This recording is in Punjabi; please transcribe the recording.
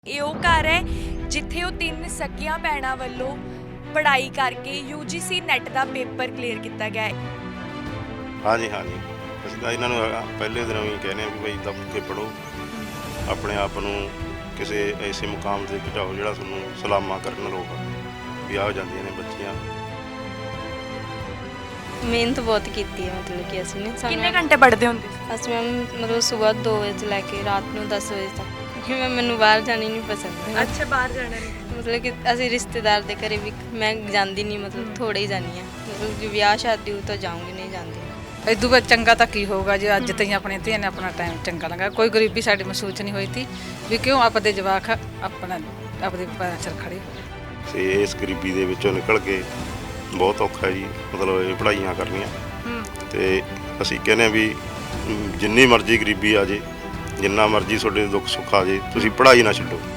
ਇਹ ਉਹ ਘਰ ਹੈ ਜਿੱਥੇ ਉਹ ਤਿੰਨ ਸਕੀਆਂ ਭੈਣਾਂ ਵੱਲੋਂ ਪੜ੍ਹਾਈ ਕਰਕੇ UGC ਨੈਟ ਦਾ ਪੇਪਰ ਕਲੀਅਰ ਕੀਤਾ ਗਿਆ ਹੈ। ਹਾਂਜੀ ਅਸੀਂ ਤਾਂ ਇਹਨਾਂ ਨੂੰ ਪਹਿਲੇ ਦਿਨੋਂ ਹੀ ਕਹਿੰਦੇ ਆ ਵੀ ਭਾਈ ਦੱਬ ਕੇ ਪੜ੍ਹੋ, ਆਪਣੇ ਆਪ ਨੂੰ ਕਿਸੇ ਐਸੇ ਮੁਕਾਮ ਤੇ ਪਹੁੰਚਾਓ ਜਿਹੜਾ ਤੁਹਾਨੂੰ ਸਲਾਮਾਂ ਕਰਨ ਲੋਕ ਵੀ ਆ ਜਾਂਦੀਆਂ ਨੇ ਬੱਚੀਆਂ। ਮਿਹਨਤ ਬਹੁਤ ਕੀਤੀ ਹੈ, ਮਤਲਬ ਕਿ ਅਸੀਂ ਨੇ ਕਿੰਨੇ ਘੰਟੇ ਪੜ੍ਹਦੇ ਹੁੰਦੇ ਸੀ? ਅਸੀਂ ਮੈਮ ਮਤਲਬ ਸਵੇਰ 2 ਵਜੇ ਤੋਂ ਲੈ ਕੇ ਰਾਤ ਨੂੰ 10 ਵਜੇ ਤੱਕ, ਕਿਉਂਕਿ ਮੈਨੂੰ ਬਾਹਰ ਜਾਣੀ ਨਹੀਂ ਪਸੰਦ। ਅੱਛਾ, ਬਾਹਰ ਜਾਣਾ ਨਹੀਂ। ਮਤਲਬ ਕਿ ਅਸੀਂ ਰਿਸ਼ਤੇਦਾਰ ਦੇ ਘਰੇ ਵੀ ਮੈਂ ਜਾਂਦੀ ਨਹੀਂ, ਮਤਲਬ ਥੋੜ੍ਹੇ ਹੀ ਜਾਂਦੀ ਹਾਂ। ਮਤਲਬ ਜੇ ਵਿਆਹ ਸ਼ਾਦੀ ਹੋ ਤਾਂ ਜਾਊਂਗੀ, ਨਹੀਂ ਜਾਂਦੀ। ਇਦੋਂ ਬਾਅਦ ਚੰਗਾ ਤਾਂ ਕੀ ਹੋਊਗਾ ਜੇ ਅੱਜ ਤਾਈਂ ਆਪਣੇ ਧੀਆਂ ਨੇ ਆਪਣਾ ਟਾਈਮ ਚੰਗਾ ਲੰਘਾਇਆ। ਕੋਈ ਗਰੀਬੀ ਸਾਡੀ ਮਹਿਸੂਸ ਨਹੀਂ ਹੋਈ ਤੀ ਵੀ ਕਿਉਂ ਆਪਦੇ ਜਵਾਕ ਆਪਣਾ ਆਪਦੇ ਪੈਰਾਂ 'ਚ ਖੜੇ। ਤੇ ਇਸ ਗਰੀਬੀ ਦੇ ਵਿੱਚੋਂ ਨਿਕਲ ਕੇ ਬਹੁਤ ਔਖਾ ਜੀ, ਮਤਲਬ ਇਹ ਪੜ੍ਹਾਈਆਂ ਕਰਨੀਆਂ। ਤੇ ਅਸੀਂ ਕਹਿੰਦੇ ਵੀ ਜਿੰਨੀ ਮਰਜ਼ੀ ਗਰੀਬੀ ਆ ਜੇ, ਜਿੰਨਾ ਮਰਜ਼ੀ ਤੁਹਾਡੇ ਦੁੱਖ ਸੁੱਖ ਆ ਜੇ, ਤੁਸੀਂ ਪੜ੍ਹਾਈ ਨਾ ਛੱਡੋ।